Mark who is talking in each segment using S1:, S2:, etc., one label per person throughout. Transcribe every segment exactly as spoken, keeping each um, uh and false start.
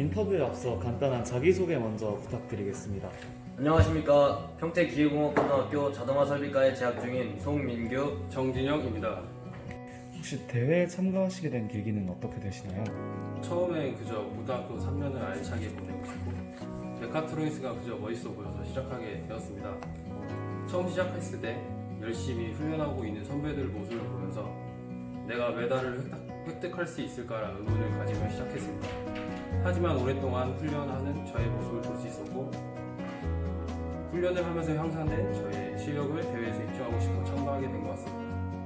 S1: 인터뷰에 앞서 간단한 자기소개 먼저 부탁드리겠습니다.
S2: 안녕하십니까. 평택기계공업고등학교 자동화설비과에 재학 중인 송민규,
S3: 정진영입니다.
S1: 혹시 대회에 참가하시게 된 계기는 어떻게 되시나요?
S3: 처음에 그저 고등학교 삼 년을 알차게 보내고 싶고 메카트로닉스가 그저 멋있어 보여서 시작하게 되었습니다. 처음 시작했을 때 열심히 훈련하고 있는 선배들 모습을 보면서 내가 메달을 획득, 획득할 수 있을까라는 의문을 가지며 시작했습니다. 하지만 오랫동안 훈련하는 저의 모습을 볼 수 있었고 훈련을 하면서 향상된 저의 실력을 대회에서 입증하고 싶어 참가하게 된 것 같습니다.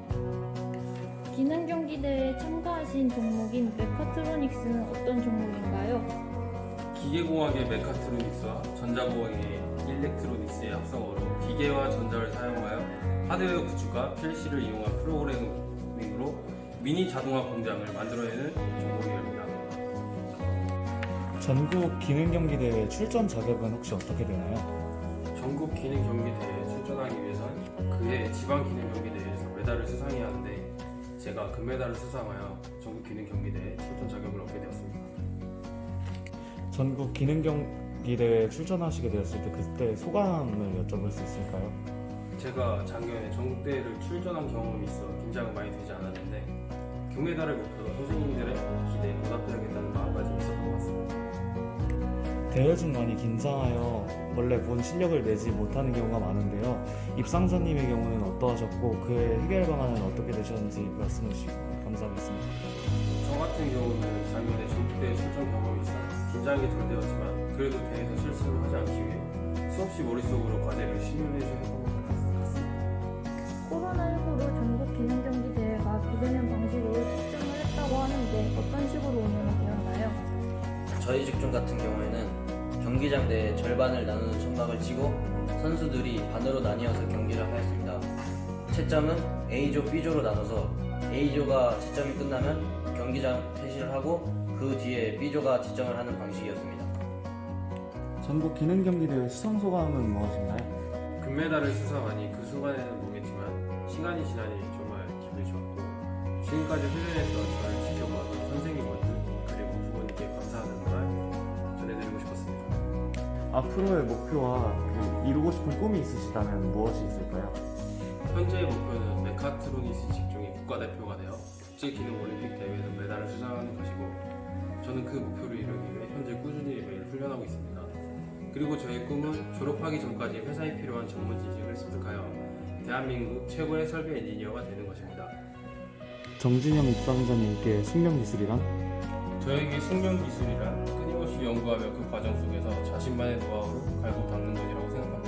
S4: 기능 경기 대회에 참가하신 종목인 메카트로닉스는 어떤 종목인가요?
S3: 기계공학의 메카트로닉스와 전자공학의 일렉트로닉스의 합성어로 기계와 전자를 사용하여 하드웨어 구축과 피엘씨를 이용한 프로그래밍으로 미니 자동화 공장을 만들어내는 종목이랍니다.
S1: 전국 기능경기대회 출전 자격은 혹시 어떻게 되나요?
S3: 전국 기능 경기대회에 출전하기 위해서는 그해 지방 기능 경기대회에서 메달을 수상해야 하는데 제가 금메달을 수상하여 전국 기능 경기대회 출전 자격을 얻게 되었습니다.
S1: 전국 기능경기대회에 출전하시게 되었을 때 그때 소감을 여쭤볼 수 있을까요?
S3: 제가 작년에 전국대회를 출전한 경험이 있어 긴장은 많이 되지 않았는데 금메달을 목표로 선생님들의 기대에 보답해야겠다는 마음가짐이 있었던 것 같습니다.
S1: 대회 중 많이 긴장하여 원래 본 실력을 내지 못하는 경우가 많은데요. 입상자님의 경우는 어떠하셨고 그의 해결 방안은 어떻게 되셨는지 말씀해 주시면 감사하겠습니다.
S3: 저 같은 경우는 작년에 전국대회 출전 경험이 있어 긴장이 덜 되었지만 그래도 대회에서 실수를 하지 않기 위해 수없이 머릿속으로 과제를 시뮬레이션 해본 것 같습니다.
S4: 코로나십구로 전국 기능 경기 대회가 비대면 방식으로 측정을 했다고 하는데 어떤 식으로 운영이 되었나요?
S2: 저희 직종 같은 경우에는 경기장 내 절반을 나누는 천막을 치고 선수들이 반으로 나뉘어서 경기를 하였습니다. 채점은 A조, B조로 나눠서 A조가 채점이 끝나면 경기장 퇴실을 하고 그 뒤에 B조가 채점을 하는 방식이었습니다.
S1: 전국 기능경기대회 수상 소감은 무엇인가요?
S3: 금메달을 수상하니 그 순간에는 모르겠지만 시간이 지나니 정말 기분이 좋았고 지금까지 훈련했던 저를 지켜봐준 선생님분들 그리고 부모님께 감사하는 말 전해드리고 싶었습니다.
S1: 앞으로의 목표와 그 이루고 싶은 꿈이 있으시다면 무엇이 있을까요?
S3: 현재의 목표는 메카트로닉스 직종의 국가대표가 되어 국제기능올림픽 대회에서 메달을 수상하는 것이고 저는 그 목표를 이루기 위해 현재 꾸준히 매일 훈련하고 있습니다. 그리고 저의 꿈은 졸업하기 전까지 회사에 필요한 전문 지식을 습득하여 대한민국 최고의 설비 엔지니어가 되는 것입니다.
S1: 정진영 입상자님께 숙련기술이란?
S3: 저에게 숙련 기술이란 끊임없이 연구하며 그 과정 속에서 자신만의 노하우를 갈고 닦는 것이라고 생각합니다.